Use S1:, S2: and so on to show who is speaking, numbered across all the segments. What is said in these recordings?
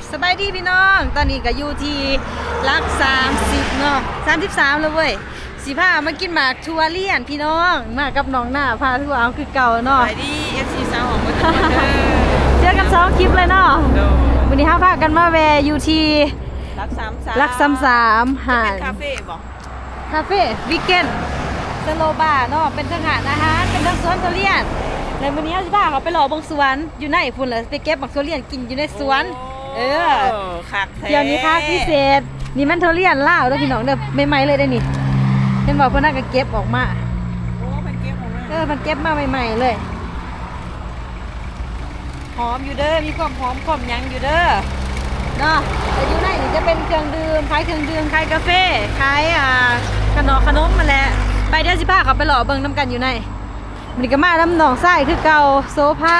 S1: สบายดีพี่น้องตอนนี้ก็อยู่ที่ลัก30เนาะ33แล้วเว้ยสิพามากินหมากทัวเลียนพี่น้องมากับน้องหน้าพาทัวเอาคือเก่าเนาะ
S2: สบายดี FC สาวของมัน
S1: เจอกัน2คลิปเลยเนาะวันนี้พากันมาแวะอยู่ที่ลัก33หาด
S2: คาเฟ่บอก
S1: คาเฟ่วีเกนสโลบาร์เนาะเป็นทั้งหาดอาหารเป็นทั้งสวนทุเรียนแล้ววันนี้สิพาเขาไปหล่อบงสวนอยู่ในพุ่นเลยไปเก็บหมากทุเรียนกินอยู่ในสวน
S2: คักแท้
S1: เดี๋ยวนี้ภาคพิเศษนี่มันทุเรียนลาวเด้อพี่น้องเด้อใหม่ๆเลยได้นี่เห็นบอกเพิ่นน่าก็เก็บออกมา
S2: โอ้มันเก็บของมัน
S1: มันเก็บมาใหม่ๆเลยหอมอยู่เด้อมีความหอมความหยังอยู่เด้อเนาะแต่อยู่ในนี่จะเป็นเครื่องดื่มขายเครื่องดื่มขายกาแฟขายขนมมาแหละไปเดี๋ยวสิพาเขาไปหล่อเบิ่งน้ำกันอยู่ในมันก็มาน้ำหนองไส้คือเก่าโซฟา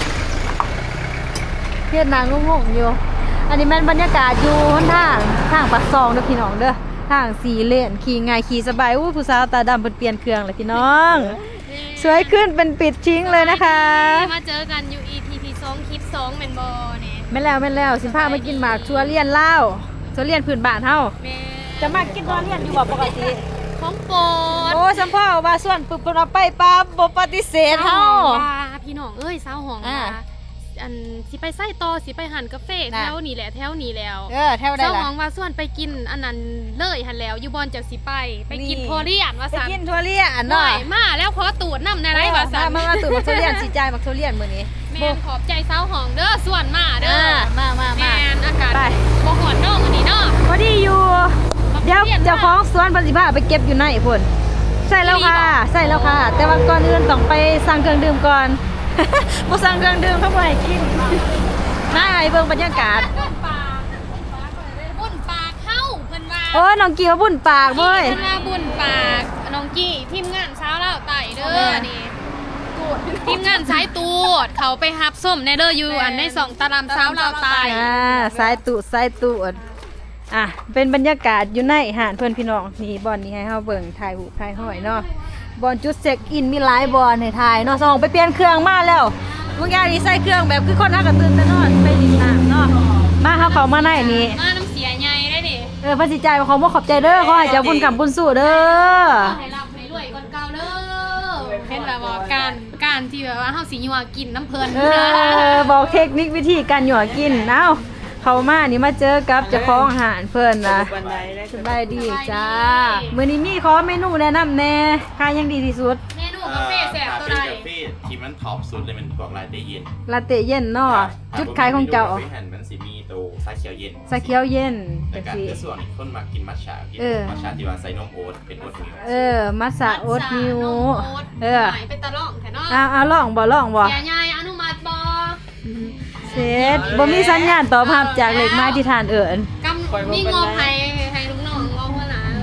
S1: เฮ็ดนางงงๆอยู่อันนี้มันบรรยากาศอยู่หนทางปากซองเด้อพี่น้องเด้อทางสีเลนขี่ง่ายขี่สบายอู้ผู้สาวตาดำเปลี่ยนเครื่องเลยพี่น้องสวยขึ้นเป็นปิดทิ้งเลยนะคะ
S3: มาเจอกันอยู่ ETP 2คลิป2แม่นบ่เนี่ย
S1: แม่แล้วสิพามากินหมากทัวเลียนลาวทัวเลียนพื้นบ้านเฮาจะมากินทัวเลียนอยู่บ่ปกติ
S3: ของโปรด
S1: โอ้สัมพ่อว่าส่วนปึ๊บเอาไปปั๊บบ่ปฏิเสธเฮา
S3: พี่น้องเอ้ยสาวห้องว่าอันสิไปไส้ต่อสิไปหันกาแฟแถวนี้แหละแถวนี้แล้ว
S1: แถวได้ล่ะ
S3: สาวห้องว่าส่วนไปกินอันนั้นเลยหันแล้วอยู่บอนจักสิไปกินทัวเลียนว่าซั่น
S1: ไปกินทัวเลียนเนาะ
S3: มาแล้วขอตูดนำได้ไรว่าซั่น
S1: มาตูดทัวเลียนสิจ่ายมักทัวเลียนมื้อนี้
S3: แม่นขอบใจสาวห้องเด้อส่วนมาเด้อ
S1: มา
S3: แม่นอากาศบ่ฮ้อนเนาะมื้อนี้เนาะ
S1: พอดีอยู่เดี๋ยวเจ้าของสวนเพิ่นสิพาไปเก็บอยู่ในพุ่นใส่แล้วค่ะแต่ว่าก่อนอื่นต้องไปสั่งเครื่องดื่มก่อนบ่สั่งเครื่องดื่มเขาบ่ให้กินมาให้เบิ่งบรรยากาศ
S3: บุญปากเข้าเพิ่นว่า
S1: โอ้น้องกี้ว่าบุญปากเว้ย
S3: เพิ่นว่าบุญปากน้องกี้ทีมงานเช้าแล้วไต่เด้อนี่ทีมงานสายตูดเขาไปฮับส้มในเด้ออยู่อันใน2ตารางเช้าแล้วไต่
S1: สายตูดเป็นบรรยากาศอยู่ในหาดเพื่อนพี่น้องนี่บอลนี้ให้เฮาเบิ่งถ่ายหูถ่ายห้อยเนาะบอลจุดเช็คอินมีหลายบอลให้ถ่ายเนาะส่องไปเปลี่ยนเครื่องมาแล้วบางอย่างนี่ใส่เครื่องแบบคือคนเฮาก็ตื่นแต่นอนไปดินน้ำเนาะมาเฮาเข้ามาในนี้
S3: มาน้ำเสียใหญ่ได้ดิ
S1: พระสิใจเขาบ่ขอบใจเด้อขอให้เจ้าบุญกำบุญสู้เด้อ
S3: ให้รับให้รวยก่อนเก่าเด้อเป็นแบบว่าการที่แบบว่าเฮาสิยั่วกินน้ำเพิ่น
S1: บอกเทคนิควิธีการยั่วกินเอ้าเขามานี่มาเจอกับเจ้าของอาหารเพิ่นนะสบายดีจ้ามื้อนี้มีขอเมนูแนะนำแน่ขายยังดีที่สุด
S3: เมนูกาแฟแซ่บตัวใด
S4: กาแฟที่มันท็อปสุดเลยมันพวกลาเต้เย็น
S1: ลาเต้เย็นเนาะจุดขายของเจ้า
S4: มันสิมีตัวชาเขียวเย็น
S1: ชาเขียวเย็น
S4: แต่การคือส่วนคนมากินมัทฉะกินมัทฉะที่ว่าใส่นมโอ๊ตเป็นโอ๊ตมิล
S1: มัทฉะโอ๊ตมิล
S3: เป็นตะล่องแท้เนา
S1: ะลองบ่
S3: ยายอนุมัติบ่
S1: เสร็จบ่มีสัญญาณตอบรับจากเลขหมายที่ทานเอิ้น
S3: มีงบให้ลูกน้องงบว่าหลาน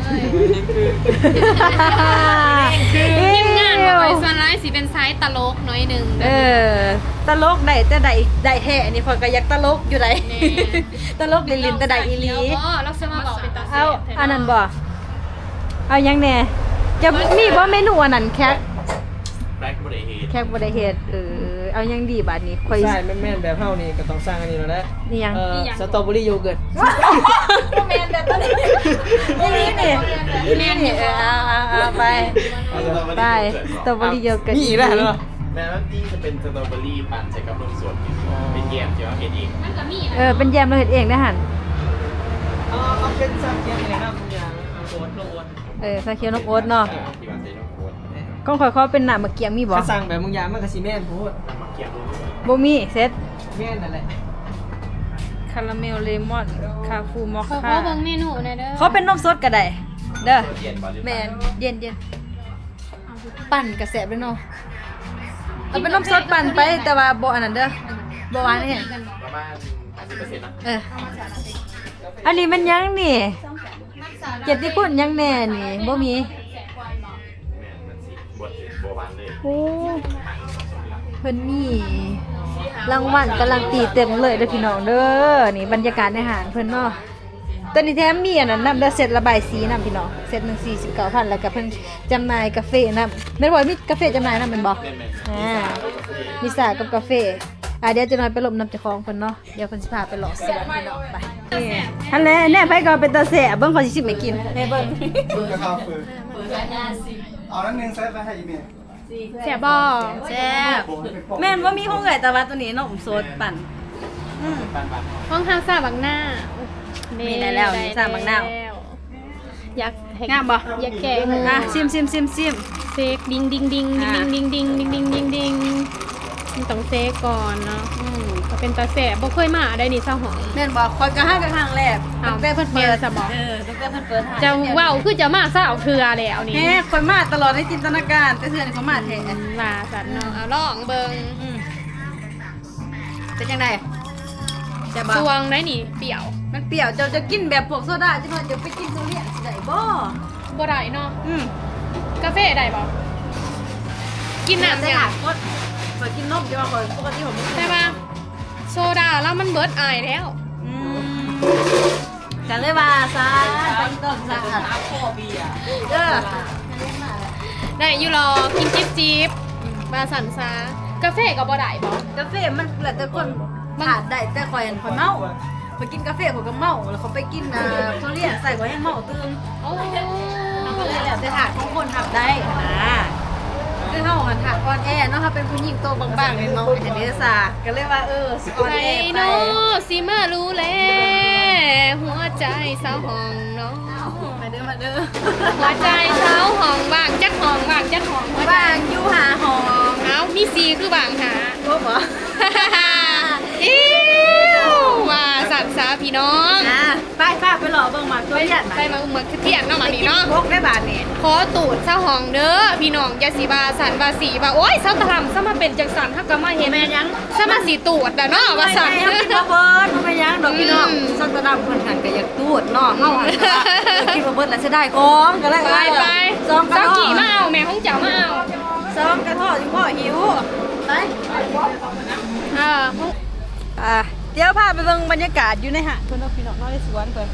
S3: ทีมงานบ่ไปส่วนหลายสิเป็นไซส์ตลกน้อยนึง
S1: ตลกได้แต่ได้แท้นี่ข่อยก็อยากตลกอยู่ไดตลกลิ้นแต่ได้อีหลี
S3: เราสิมาบอกเป็นตาเสร็จ
S1: อันนั้นบ่เอายังแน่จะมีบ่เมนูอันนั้นแค่
S4: แบ่ได้
S1: เฮ็ดเอายังดีบาดนี้
S2: ค่อยใช่แม่นแบบเฮานี่ก็ต้องสร้างอันนี้แล้วแหละ
S1: นี่ยัง
S2: สตรอเบอรี่โยเกิร์ต
S1: แม่นแบบนี้นี่เอาไปสตรอเบอรี่โยเกิร์ต
S2: มีแล้วเหรอ
S4: แม่ว่าที่จะเป็นสตรอเบอรี่ปั่นใส่กับนมสดเป็นแยมที่ว่าเฮ็ดเอง
S3: มันก็มี
S1: เป็นแยมเราเฮ็ดเองนะหั่น
S2: เอาเป็นซาเขียวนี่นะทุกอย่างโอ๊ตลงโอ๊ต
S1: ซาเขียวนมโอ๊ตเนาะ
S4: ที่ว่าใส่นมโอ๊ต
S1: ก้องข่อยเขาเป็นหน้ามะเกียงมีบ่
S2: ถ้าสั่งแบบมึงยามันก็สิแม่นโพด
S4: มะเกียง
S1: บ่มีเซ็ต
S2: แม่นนั่นแหละ
S1: คาราเมลเลมอนคาฟูมอคค่า
S3: เขาเบิ่งเมนูหน่อยเด้อ
S1: เขาเป็นนมสดก็ได้เด้อแม่นเย็นปั่นกระแสบด้วยเนาะเอาเป็นนมสดปั่นไปแต่ว่าบ่อันนั้นเด้อบ่หวานนี่
S4: ประมาณ 50% นะ
S1: อันนี้มันยังนี่เจ็ดที่คุณยังแน่นี่บ่มีโอ้เพิ่นมีรางวัลกำลังตีเต็มเลยเด้อพี่น้องเด้อนี่บรรยากาศในห้างเพิ่นเนาะตอนนี้แถมมีอันนั้นนำเด้อเซตระบายสีนำพี่น้องเซตนึง 49,000แล้วก็เพิ่นจำหน่ายกาแฟนำแม่นบ่มีกาแฟจำหน่ายนำแม่นบ่มีสากับกาแฟเดี๋ยวจะน้อยไปหลบน้ำเจ้าของเพิ่นเนาะเดี๋ยวเพิ่นสิพาไปหล่อเสือพี่น้องไปฮันแหละแน่ไผก็เป็นตาแสบเบิ่งขอสิชิมให้กินแน่เบิ่ง
S5: กระทาฟืนเอานั่นนึงใส่ไปให้อีเมล
S3: แซ่บบ่
S1: แซ่บแม่นว่ามีห้องไก่แต่ว่าตัวนี้นมสดปั่น
S3: ห้องทางซาบังหน้า
S1: มี
S3: มี
S1: ได้แล้วนี่ซาบักหน้า
S3: อยากให้
S1: งามบ่
S3: อยากแกง
S1: อ่ะซิม
S3: เซกดิงดิงดิงดิงดิงดิงดิงดิงดิงดิงมันต้องเซกก่อนเนาะก็เป็นตาแสบบ่เคยมาได้นี่เศร้าหอง
S1: แม่นบ่คอยกระห้างกระห้างแรก
S3: อ้าว
S1: ตั้งแต่เพิ่นเปิด
S3: แม่นซะบ่
S1: ตั้งแต่เพิ่นเปิดหา
S3: จะเว้าคือจะมาซะเอาเทือแล้วนี่
S1: แม่คอยมาตลอดในจินตนาการแต่เทื่อนี่เขามาแท้
S3: ว่าสันเนาะเอาลองเบิ่ง
S1: เป็นจังได๋จะบ่
S3: สวงได้นี่เปรี้ยว
S1: มันเปรี้ยวเจ้าจะกินแบบพวกโซดาจังว่าจะไปกินโซเลียนสิได้บ่
S3: บ่ได้เนาะกาแฟได้บ่กินน้ำ
S1: ได้
S3: เนี่ย
S1: หากดคอยกินนมจะว่าคอยปกติผมบ่กิน
S3: ได้ป่ะโซดาแล้วมันเบิดอายแล้ว
S1: กันเลยว่าซะไปต้นซะ
S2: พ่อเบียร์
S1: เด้อ
S3: ได้อยู่รอกินจิ๊บบาสันซากาแฟก็บ่ได้บ่
S1: กาแฟมันแล้วแต่คนขาดได้แต่คอยอันคอยเมาไปกินกาแฟเขาก็เมาแล้วเขาไปกินโซเลียนใส่ก็ยังเมาตื่น
S3: โอ้
S1: ก็เลยแล้วแต่ถาดของคนทำได้นะคือเฮาหันถาดอ่อนแอเนาะถ้าเป็นผู้หญิงโตบางๆเนี่ยเนาะเห็นเด้อซาก็เลยว่าสิอ่อน
S3: ไป
S1: แอไป
S3: เนาะสิมารู้แล้วหัวใจสาวห้องเนาะ
S1: มาเด้อมาเด้อ
S3: หัวใจสาวห้องบางจักห้องบางจักห้องหัวใจ
S1: บางอยู่หาหอง
S3: เอ้ามีสีคือบางหา
S1: โอ้บ่
S3: อิ้วว่าสัตว์สาพี่น้อง
S1: ไปป้าไปหล่อเบิ่งหมากตัวใหญ่
S3: ไปมาเมืองเที่ยงเนาะมานี่เนาะ
S1: พกได้บาทนี่
S3: ขอตูดเศร้าห้องเด้อพี่น้องอย่าสีบาสันบาสีบาโอ้ยเศร้าตะลำซะมาเป็นจังสันถ้าก็มาเห็น
S1: แม่ยัง
S3: ซะมาสีตูดอะเนาะว่าสัน
S1: เฮากินบ่เบิดบ่ไปยังดอกพี่น้องสันตะดำเพิ่นหันก็อยากตูดเนาะเฮาหันก็กินบ่เบิดแล้วสิได้ของก็เลย
S3: ไปไป
S1: ซองกระ
S3: เศร้า
S1: ทอ
S3: กี่มาเอาแม่ของเจ้ามาเอา
S1: ซองกระทอดจังบ่หิวไป เดี๋ยวพาไปเบิ่งบรรยากาศอยู่ในหาดเพิ่นเนาะพี่น้องเนาะในสวนเพิ่น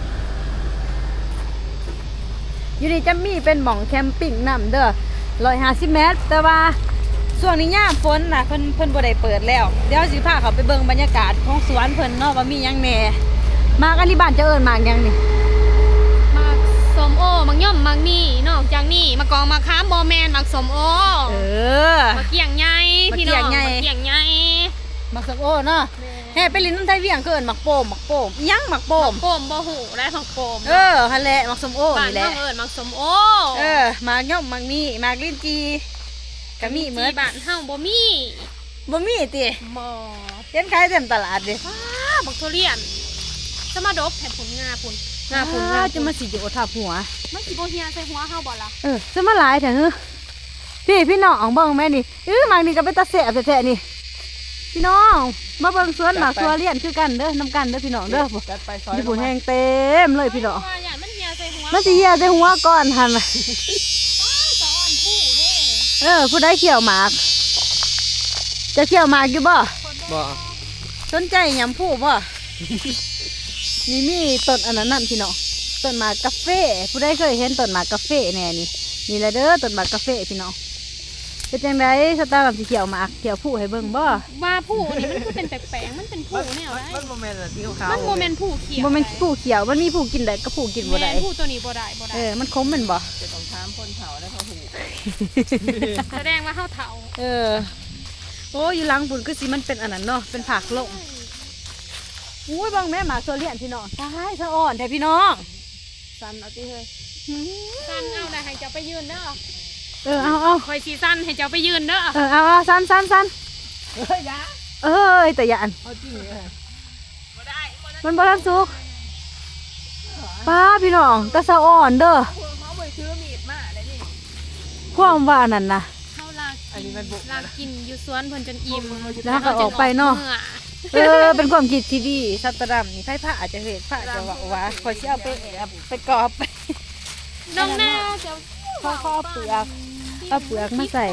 S1: อยู่นี่จะมีเป็นหม่องแคมปิ้งน้ำเด้อ150 เมตรแต่ว่าช่วงนี้ยามฝนน่ะเพิ่นบ่ได้เปิดแล้วเดี๋ยวสิพาเขาไปเบิ่งบรรยากาศของสวนเพิ่นเนาะว่ามีหยังแหน่มากันที่บ้านจะเอิ้นมากหยังนี่
S3: มักสมโอมักย่อมมักนี่นอกจากนี่มากองมาค้ามบอแมนมักสมโอ
S1: เออ
S3: มาเกี่ยงใหญ่พี่น้อง
S1: มะเกี่ยงใหญ่
S3: มาเกี่ยงใหญ่
S1: มักสักโอ้เนาะแฮ่ไปลินน้ำไทยเวียงก็เอิ้นมักโป่มอิหยังมักโป่ม
S3: โปมบ่หูและผักโปม
S1: หั่นแหละมักสมโอ
S3: บ้าน
S1: นี่แห
S3: น้
S1: ละ
S3: องเอิญมักสมโอ
S1: มากย่อมมากมีมากลิ้นจีกะมีเหมือน
S3: บ้านเฮาบ่มี
S1: บ่มีติ
S3: บ่
S1: เห็นขายเต็มตลาดเด้
S3: อ้าบักทุเรียนจะมาดบแผ่นผลงาพุ่นงาพุ่นงา
S1: จะมาสิโยทับหัว
S3: มันสิบ่เฮียใส่หัวเฮาบ่ล่ะ
S1: จะมาหลายแท้ฮึพี่น้องเบิ่งแม่นี่มากนี่ก็เป็นตาแสบแท้ๆนี่พี่น้องมาเบิ่งสวนหมากสวนเลียนคือกันเด้อนำกันเด้อพี่น้องเด้อ
S2: จัดไปซอย
S1: ญี่ปุ่นแห้งเต็มเลยพี่น้อง
S3: ว่าอย่างมันเฮียใส่หัว
S1: มันสิเหี่ยใส่หัวก่อนหั่นน่ะ
S3: สะอ่อนผู้เด้
S1: ผู้ใดเขี่ยวหมาก จะเขี่ยวหมากอยู่บ่
S2: บ่
S1: สนใจหยำผู้บ่ นี่มีต้นอันนั้นนั่นพี่น้องต้นหมากกาแฟผู้ใดเคยเห็นต้นหมากกาแฟแน่นี่แหละเด้อต้นหมากกาแฟพี่น้องเป็นจังไดสตาร์กับสีเขียวหมากเขียวผู้ให้เบิ่งบ่
S3: ว่าผู้นี่มันคือเป็นแปลกๆมันเป็นผู้แนวได้
S2: มันโมเมนต์ที่ขาว
S3: มันโมเมนต์ผู้เขียว
S1: บ่แม่นผู้เขียวมันมีผู้กินได้กับผู้กินบ่ได้
S3: แม่นผู้ตัวนี้บ่ได้บ่ได้
S1: มันคมแม่นบ่
S2: จะต้องถามคนเฒ่าแล้วเขาถูก
S3: แสดงว่าเฮาเฒ่า
S1: โอ้อยู่หลังปุ่นคือสิมันเป็นอันนั้นเนาะเป็นผักลงอุ้ยเบิ่งแม่หมาโซเลียนพี่น้องตายสะอ่อนแท้พี่น้อง
S2: สั้นเอาที่เฮ้ย
S3: สั้นเอาได้ให้เจ้าไปยืนเด้อ
S1: เอา
S3: คอยสีสั้นให้เจ้าไปยืนเด้อ
S1: เอาสั้น
S2: เฮ้ยยะ
S1: แต่อย่าอัน
S2: เอาจริงเลย
S1: มันบ่ทันสุกป้าพี่น้องตาสะอ่อนเด้อ
S2: เขาไปซื้อมีดมาเลยนี่
S1: ความว่านั่นนะ
S3: เฮาลาก
S2: อันนี้มันบุก
S3: ลากกินอยู่สวนเพิ่นจนอิ่ม
S1: แล้วก็ออกไปเนาะ
S3: มื่อ
S1: เป็นความคิดที่ดีสัตว์ดำนี่ไผ่ผ้าอาจจะเห็ดผ้าจะว่าคอยสิเอาไปแอบไปกรอบไป
S3: น้องหน้าจะ
S1: ข้อเอาเปลือกมาใส่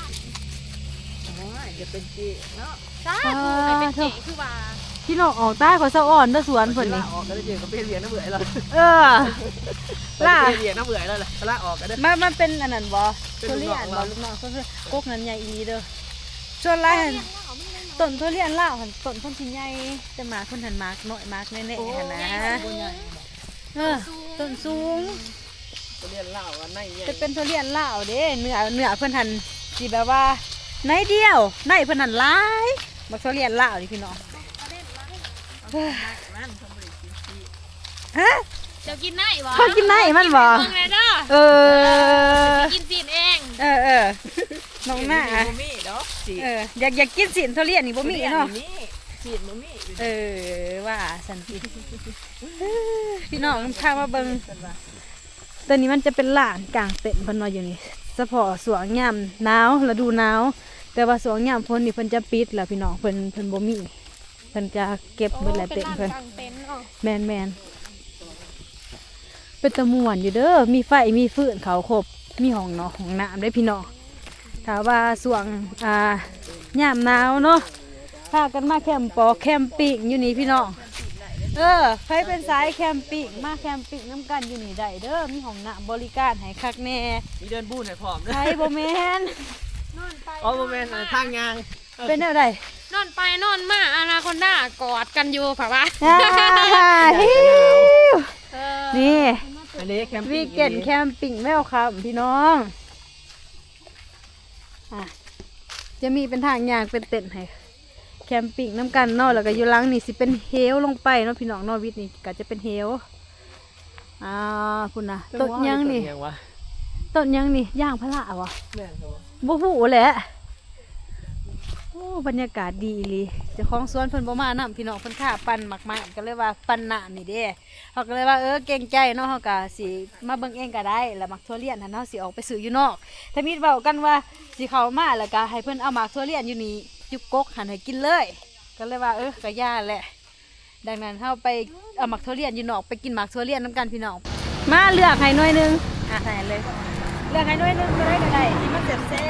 S2: จะเป็นจีเนาะ
S3: จ้าให้เป็นเก๋คือว่า
S1: พี่น้องออกใต้ขอยสะอ่อนเด้อสวนเพิ่นนี่
S2: ออกก็ได้เจอกับเป็นเหรียญน้ำเบื่อแล้ว
S1: ล่ะ
S2: เหรียญน้ำเบื่อแล้วเลยละออกก็ได้
S1: มันเป็นอันนั้นบ่
S2: เป็น
S1: ทุ
S2: ลูก
S1: เรียน
S2: น้อง
S1: บ่ลูกน้องก็คือกกนั้นใหญ่อีเด้อส่วนไรหั่นต้นทุเรียนลาวหั่นต้นเพิ่นสิใหญ่แต่หมากเพิ่นหันหมากน้อยหมากแน่ๆหั่นนะต้นสูง
S2: ทุเรียนลาวอันไหนใหญ่
S1: จะเป็นทุเรียนลาวเด้เนื้อเพิ่นหันสิแบบว่าในเดียวในเพิ่นหันหลายบักทุเรียนลาวนี่พี่น้องฮะ
S3: เจ้ากินไหนบ่
S1: เขากินไหนมันบ่
S3: เบิ่งเลยเด้อ
S1: เออ
S3: กินซีนเอง
S1: เออน้องหน้า
S2: บ่มีเนาะสิ
S1: อยากกินสินทุเรียนนี่บ่มีเนาะ
S2: สิบ่มี
S1: ว่าสันติพี่น้องพามาเบิ่งตอนนี้มันจะเป็นลานกลางเต็นท์เพิ่นว่าอยู่นี่เฉพาะสวงยามหนาวฤดูหนาวแต่ว่าสวงยามฝนนี่เพิ่นจะปิดแล้วพี่น้องเพิ่นบ่มีเพิ่นจะเก็บเบิดแหละเต็นท์เพิ่น
S3: กลางเต็นท์เนาะ
S1: แมนเป็นตะม่วนอยู่เด้อมีไฟมีฟืนเขาครบมีห้องเนาะห้องน้ำได้พี่น้องถ้าว่าสวงยามหนาวเนาะพากันมาแคมป์แคมปิ้งอยู่นี่พี่น้องใครเป็นสายแคมปิ้งมาแคมปิ้งน้ำกันอยู่นี่ได้เด้อมีห้องน้ำบริการให้คักแน่
S2: มีเดินบูนให้พร้อมเด้อ
S1: ใครบ่แม่น
S3: นอนไป
S2: อ๋อบ่แม่นทางยาง
S1: เป็นแนวใด
S3: นอนไปนอนมาอนาคอนดากอดกันอยู่ฝากว่า
S1: ฮิว
S3: เออ
S1: นี่
S2: อันนี้แคมปิ้ง
S1: วีเกนแคมปิ้งแววครับพี่น้องจะมีเป็นทางยางเป็นเต็นท์ให้แคมปิ้งน้ำกันเนาะแล้วก็อยู่หลังนี่สิเป็นเฮลลงไปเนาะพี่น้องเนาะวิทย์นี่ก็จะเป็นเฮลคุณนะต้นยังนี่ต้นยังนี่ย่างพระวะ
S2: แม่นครับ
S1: บ่ฮู้แหละโอ้บรรยากาศดีอีหลีเจ้าของสวนเพิ่นบ่มานํพี่น้องเพิ่นค่าปั่นหมักไม้ก็เลยว่าปั่นน้ำนี่เด้เขาก็เลยว่าเก่งใจเนาะเฮาก็สิมาเบิ่งเองก็ได้แล้วหมักทั่วเลียนหั่นเฮาสิออกไปซื้ออยู่นอกถ้ามีเว้ากันว่าสิเข้ามาแล้วก็ให้เพิ่นเอาหมากทั่วเลียนอยู่นี่จุกกกหั่นให้กินเลยก็เลยว่าก็ย่าแหละดังนั้นเฮาไปเอาหมักทั่วเลียนอยู่นอกไปกินหมากทั่วเลียนนํกันพี่น้องมาเลือกให้หน่วยนึงใส่เลยเลือกให้หน่วยนึงก็ได้ที่มันแซ่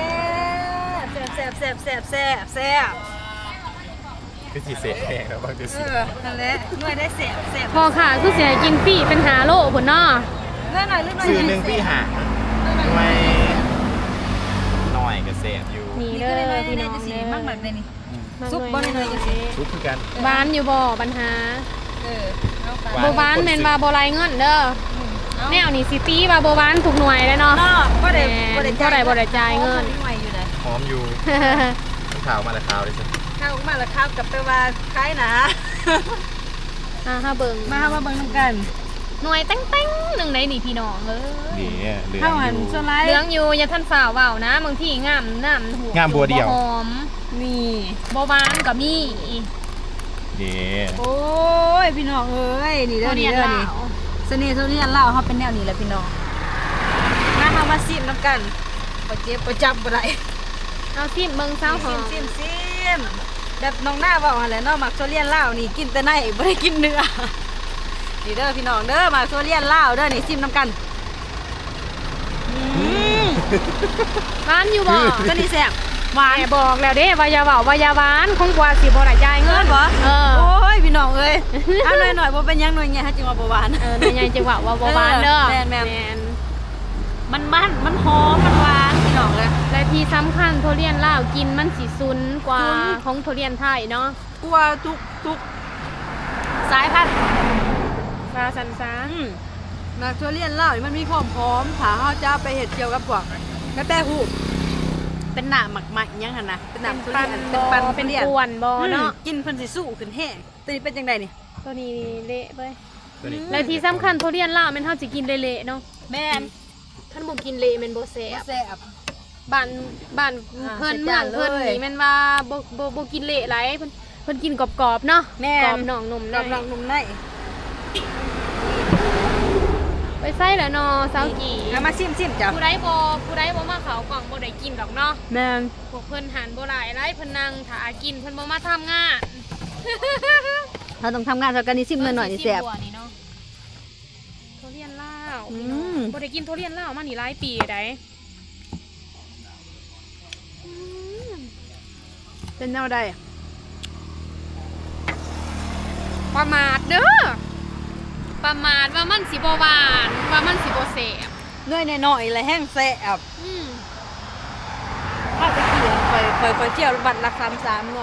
S1: บ
S4: คือสิเสร็จแห้งแล้วบางทีสิ
S1: นั่นแหละหน่วยได้แซ่บ
S3: พอค่ะคือเสียกินฟรีเป็นหาโลพุ่นเนาะ
S1: เลื่อนหน่อยเลื่อนหน่อย
S4: ซื้อหนึ่งพี่หาไม่หน่อยก็เสพอยู่
S3: นี่
S1: นี่
S3: เด้
S1: ก็
S3: อ
S1: ได้
S3: พี่
S1: ได้
S3: น้อง
S1: จะสี
S3: เด้อ
S1: มากแบบนี้
S3: มา
S1: ซุป
S3: ห
S1: บ่
S3: น่
S1: ได้
S3: อย
S1: เลยจะสี
S4: ทุกคือกัน
S3: บ้านอยู่บ่ปัญหา
S1: เอา
S3: บ่บ้านแม่นว่าบ่ไรเงินเด้อแนวนี่สิตีว่าบ่บ้านถูกหน่วยเลยเนาะ
S1: ก็ได้
S3: บ่ได้จ่ายเงิน
S1: หน่วยอยู่นะ
S4: หอมอยู่มันข่าวมาแต่ข่าวเลยสิ
S1: ข้าวมาแล้วข้าวกับไปว่าคล้ายนะ
S3: ห้าเบิ่ง
S1: มาเบิ่งน้ำกัน
S3: หน่วยแต้งๆหนึ่งในนี่พี่น้องเอ้ย
S4: นี่เหลือง
S1: ข้าวหัน
S4: อยู่
S1: สไลด์
S3: เหลืองอยู่อย่าท่านฝ่าว่าวนะบางทีงามน้ำหัว
S4: งามบัวเดียว
S3: หอม
S1: นี่
S3: บ่บ้านก็มี
S4: นี่
S1: โอ้ยพี่น้องเอ้ยนี่เด้อ
S3: เรี
S1: นี่
S3: ยน
S1: เด้อ
S3: ลา
S1: นี่
S3: ว
S1: เสน่ห์ทุเรียนลาวเขาเป็นแนวนี้แหละพี่น้องมาซิมน้ำกันบ่เจ็บบ่จับบ่ได้
S3: เอาซิมเบิ่งเช้าหอม
S1: ซิมแบบน้องหน้าบอกอะไรเนาะหมักโซเลียนลาวนี่กินแต่ในไม่ได้กินเนื้อนี่เด้อพี่น้องเด้อหมักโซเลียนลาวเด้อนี่ซิมน้ำกัน
S3: บ้านอยู่บ่
S1: ก็นี่แซ่บหวาน
S3: แม่บอกแล้วเด้ว่าอย่าเว้าว่าอย่าหวานคงกว่าสิบ่ได้จ่ายเงิน
S1: เหรอ
S3: เออ
S1: โอ้ยพี่น้องเอ้ยเอาหน่อยบ่เป็นหยังหน่อยไงฮะจิงว่าบ่หวาน
S3: แม่ใหญ่จะว่าบ่หวานเด้อ
S1: แม่น มันหอมมันหวานพี่น้องเลย
S3: และที่สำคัญทุเรียนลาวกินมันสิซุนกว่า
S1: ซุน
S3: ของทุเรียนไทยเนาะ
S1: กลัวทุกสายพันธุ์
S3: ซาซันซา
S1: หมักโซเลียนลาวนี่มันมีความหอมถ้าเฮาจะไปเฮ็ดเกี่ยวกับพวกกระแตหูเป็นหน้าหมักไหมยังหั่นนะเป็นหน้าทุเรียนเป็นปัน
S3: เป็น
S1: ทุรีย
S3: กวนบ่เนาะ
S1: กินเพิ่นสิสู้ขึ้นแห้งตัวนี้เป็นจังไดนี่
S3: ตัวนี้เละเว้ย
S4: ตัวนี้
S3: และที่สำคัญทุเรียนลาวแม่นเฮาสิกินเละๆเนาะ
S1: แม่น
S3: ท่านบ่กินเละแม่นบ่แซ่บ
S1: แซ่บ
S3: บ้าน
S1: อ่า
S3: เพิ่น
S1: ใส่
S3: เมื
S1: จา
S3: อน ง
S1: เลย
S3: เพิ่นนี่แม่นว่าบ่กินเละหลายเพิ่นกินกรอบๆเนาะ
S1: แม่น
S3: กรอบนอกนุ่ม
S1: กับ
S3: ใน
S1: ลองนุ่มใน
S3: ไปใส่แล้วเนาะสาวกี่
S1: เอามาซิมจ้ะ
S3: ผู้ใดบ่มาเขากล่องบ่ได้กินดอกเนาะ
S1: แม่น
S3: พวกเพิ่นหันบ่หลายไรเพิ่นนั่งถ้ากินเพิ่นบ่มาทำงาน
S1: เราต้องทำงานสักกันนี่ซิมหน่อยๆนี่แซ่บ
S3: เพิ่นสิบัวนี่เนาะทุเรียนลาว
S1: อื
S3: พี่น้อง
S1: ม
S3: บ่ได้กินทุเรียนลาวมานี่หลายปีได้
S1: เป็นแนวใด
S3: ประมาทเด้อประมาทว่ามันสิบ่หวานว่ามันสิบ่แซ่บ
S1: เนื่อยหน่อยๆเลยแห้งแซ่บ
S3: อืม
S1: ถ้าไปเกี่ยวเคยเที่ยวบัตรละคำ3เนาะ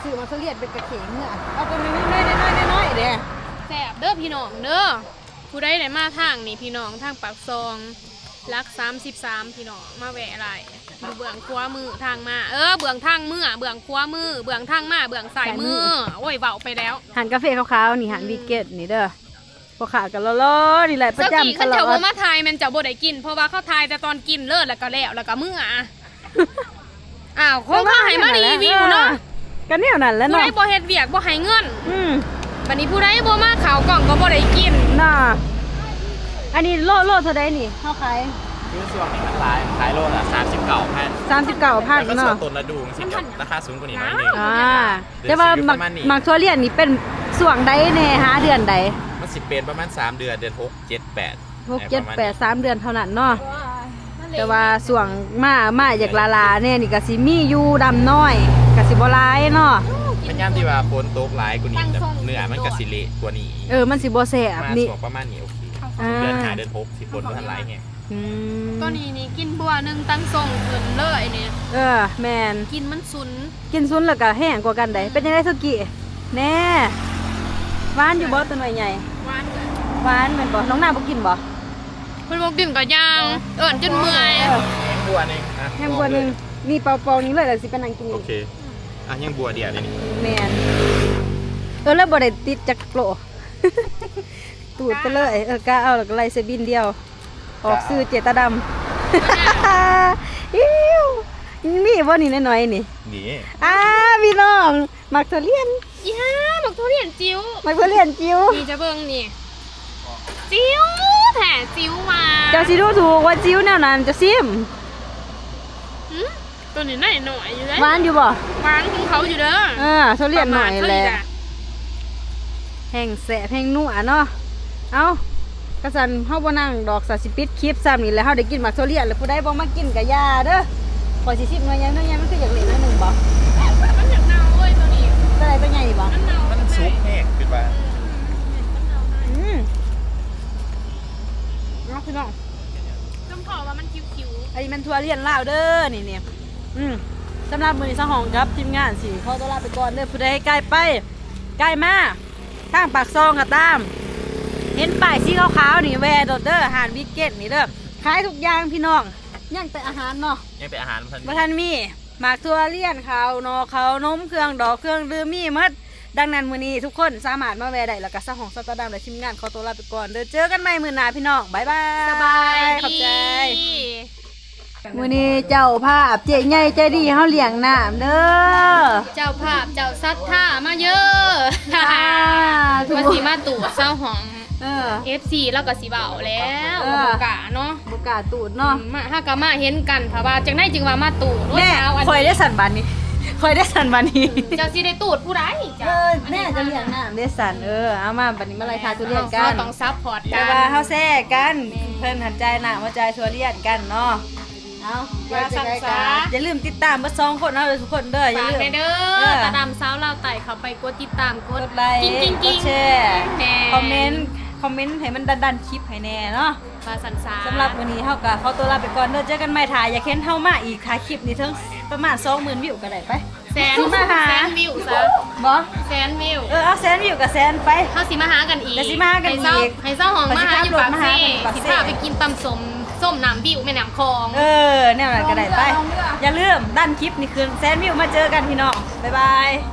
S1: ซื้อมาทุเรียนเป็นกระเขงเมื่อเอาตัวน้อยๆเด้
S3: แซ่บเด้อพี่น้องเด้อผู้ใดได้มาทางนี่พี่น้องทางปากซองรัก33พี่น้องมาแวะอะไรดูเบื้องขวามือทางมาเบื้องทางมือเบื้องขวามือเบื้องทางมาเบื้องซ้ายมือโอ้ยเว้าไปแล้ว
S1: หันกาแฟขาวๆนี่หันวีเกตนี่เด้อพอขากันล้อๆนี่แหละประ
S3: เจ้า
S1: จำ
S3: กี่
S1: ต
S3: ขัน
S1: ลอ
S3: เจ้าบ่
S1: ด
S3: มาทายแมันเจ้าบ่ได้กินเพราะว่าเขาทายแต่ตอนกินเลิศแล้วก็แล้วแล้วก็มื้ออ้าวคงเขาให้มารีวิวเนาะ
S1: กันแนวนั้นแหล้ว
S3: ผู้
S1: เนาะ
S3: ใดบ่เฮ็ดเวียกบ่ให้เงิน
S1: บัด
S3: บัดนี้ผู้ใดบ่มาข่าวกล่องก็บ่ได้กิน
S1: น่ะอันนี้โลเท่าใดนี่เฮาขาย
S4: คือส่วนนี้มันขายโลละ39,000
S1: 39,000
S4: แล้วก็ส่ว
S1: เนาะ
S4: นต้นละดูมันสิกับราคาสูงกว่านี้หน่อยหนึง
S1: แต่ว่า
S4: เดือนสิบอยู่ประมาณนี้
S1: มักทั่วเรียนนี่เป็นส่วงใดแน่หาเดือนใด
S4: มันสิเป็นประมาณ3เดือนเดือน6 7 8
S1: 6 7 8 3เดือนเท่านั้นเนาะแต่ว่าส่วงมาอยากลาๆเนี่ยนี่ก็สิมีอยู่ดำน้อยก็สิบ่หลายเนาะ
S4: มันย่ำที่ว่าฝนตกหลายกว่านี้แต่เนื้อมันก็สิเละกว่านี้
S1: มันสิบ่แซ่บ
S4: มา
S1: นี่
S4: ส่วนประมาณนี้โอเค
S1: อ่า
S4: เดือน5เดือน6สิฝนบ่ทันหลายแฮง
S1: อืม
S3: ตัวนี้นี่กินบัวหนึงตั้งทรงขึ้นเลยเนี่ย
S1: แม่น
S3: กินมันสุน
S1: กินซุนแล้วก็แห้งกว่ากันได้เป็นยังไงสุกี้แน่หวานอยู่บ่ตัวหน่อยใหญ่
S3: หวานเลย
S1: หวานแม่นบ่น้องหน้าบ่กินบ่
S3: เพิ่นบ่กินก็ย่างเอิ้นจนเมื่อย
S4: แห้งบัวนึงอ่ะ
S1: แห้งบัวหนึงนี่เปาๆนี้เลยแล้วสิไปนั่งกิน
S4: โอ
S1: นี่
S4: เคอ่ะยังบัวเดียวเลยนี่
S1: แม่นแล้วบ่ได้ติดจักโปร ตูดไปเลยกล้าเอาแล้วก็ไล่เสบินเดียว ออกซื้อเจตาดำ อิ้วมีบ่นี่น้อยๆนี่
S4: นี่
S1: พี่น้องมักทุเรียน
S3: อีห่าบักทุเรียนจิ๋ว
S1: มักทุเรียนจิ๋ว
S3: นี่จะเบิ่งนี่จิ๋วแท้จิ๋วมา
S1: เจ้าสิดูถูกว่าจิ๋วแนวนั้นจะซิม
S3: หึตัวนี้หน่อยอยู่เด้
S1: หวานอยู่บ่
S3: หวานของเขาอยู่เด้อ
S1: ทุเรียนหน่อยแหละแห้งแสบแห้งนัวเนาะเอ้ากระสันเฮาบ่นั่งดอกสาสิปิดคลิปซ้ำนี่แหล้วเฮาได้กินมักทุเรียนแล้วผู้ใดบ่มากินก็อย่าเด้อขอสิชิมหน่อยยังมันคืออยากเล่นหน่อยหนึงบ่
S3: มันอยากเน่าเว้ยตัวนี้
S1: ตัวใดตัวใหญ่บ่
S3: มันเน่า
S4: มันซุปแห้งคือว่า
S1: เนาะพี่น้อง
S3: จำพอว่ามันคิ้ว
S1: อันนี้มันทัวเรียนลาวเด้อนี่สำหรับมื้อนี้สหองครับทีมงานสิขอตัวลาไปก่อนเด้อผู้ใดใกล้ไปใกล้มาทางปากซองก็ตามเห็นป้ายสีขาวๆนี่แวร์โดดเด้ออาหารวิกเก็ตนี่เด้อขายทุกอย่างพี่น้องยังแต่อาหารเนาะ
S4: ยังเป็นอาหารมัน
S1: บ่ทันมีหมากทัวเรียนข้าวนอข้าวนมเครื่องดอกเครื่องดื่มมีหมดดังนั้นมื้อนี้ทุกคนสามารถมาแวะได้แล้วก็สหองสตาร์ดัมและทีมงานขอตัวลาไปก่อนเด้อเจอกันใหม่มื้อหน้าพี่น้องบ๊ายบาย
S3: ๆสบาย
S1: ขอบใจ
S3: ดี
S1: มื้อนี้เจ้าภาพเจ๊ใหญ่ใจดีเฮาเลี้ยงน้ำเด้อ
S3: เจ้าภาพเจ้าซัดท่ามาเยอะ
S1: ถูก
S3: ว่าสีมาตู่เศร้าหอง FC แล้วก็สิเบาแล้ว
S1: เออ
S3: บ่กล้าเนาะ
S1: บ่กล้าตูดเนาะ
S3: มาถ้าก็มาเห็นกันเพราะว่าจังได้จึงว่ามาตู่
S1: แม่
S3: เช้าอัน
S1: คอยได้สันบันนี้คอยได้สันบันนี้
S3: เจ้าสิได้ตูดผู้ใดจ้ะ
S1: แม่จะเลี้ยงน้ำได้สันเอามาบัดนี้มาไล่ทาทุเรียนกั
S3: เรา
S1: น
S3: ต้องซัพพอร์ตกั
S1: แต่
S3: น
S1: ว่าเฮาแซ่กันเพิ่นหันใจหน้ามาใจทุเรียนกันเนาะเอาอย่าลืมติดตามเบ่2คนเอาเลยทุกคนเด้ออย่า
S3: ฝาก
S1: ลืม
S3: ไปเด้อตาดำสาวลาวไต่เขาไปกดติดตามก
S1: ก
S3: ด
S1: ดไลค์
S3: กิ้งกิ้ง
S1: ก
S3: กิ้
S1: ด
S3: ง
S1: แชร์
S3: แหน่
S1: คอมเมนต์ให้มันดันคลิปให้แน่เนาะ
S3: ภาษาสา
S1: สำหรับวันนี้เฮาก็ขอตัวลาไปก่อนเด้อเจอกันใหม่ถ่ายอย่าเค้นเฮามาอีกถ่ายคลิปนี้ถึงประมาณ 20,000 วิวก็ได้ไป
S3: แสน
S1: สิมาหา
S3: แสนวิวซะ
S1: บ่
S3: แสนวิว
S1: เอาแสนวิวกับแสนไป
S3: เฮาสิมาหากันอีก
S1: เดี๋ยวสิมาหากันอีก
S3: ให้เจ้าของมาหาอยู่ปากเซ่
S1: ปากเซ่
S3: สิพาไปกินตำส้มน้ำวิวแม่น้ำคลอง
S1: แนวนั้นก็ได้ไป อย่าลืมด้านคลิปนี่คือแสนวิวมาเจอกันพี่น้อง บ๊ายบาย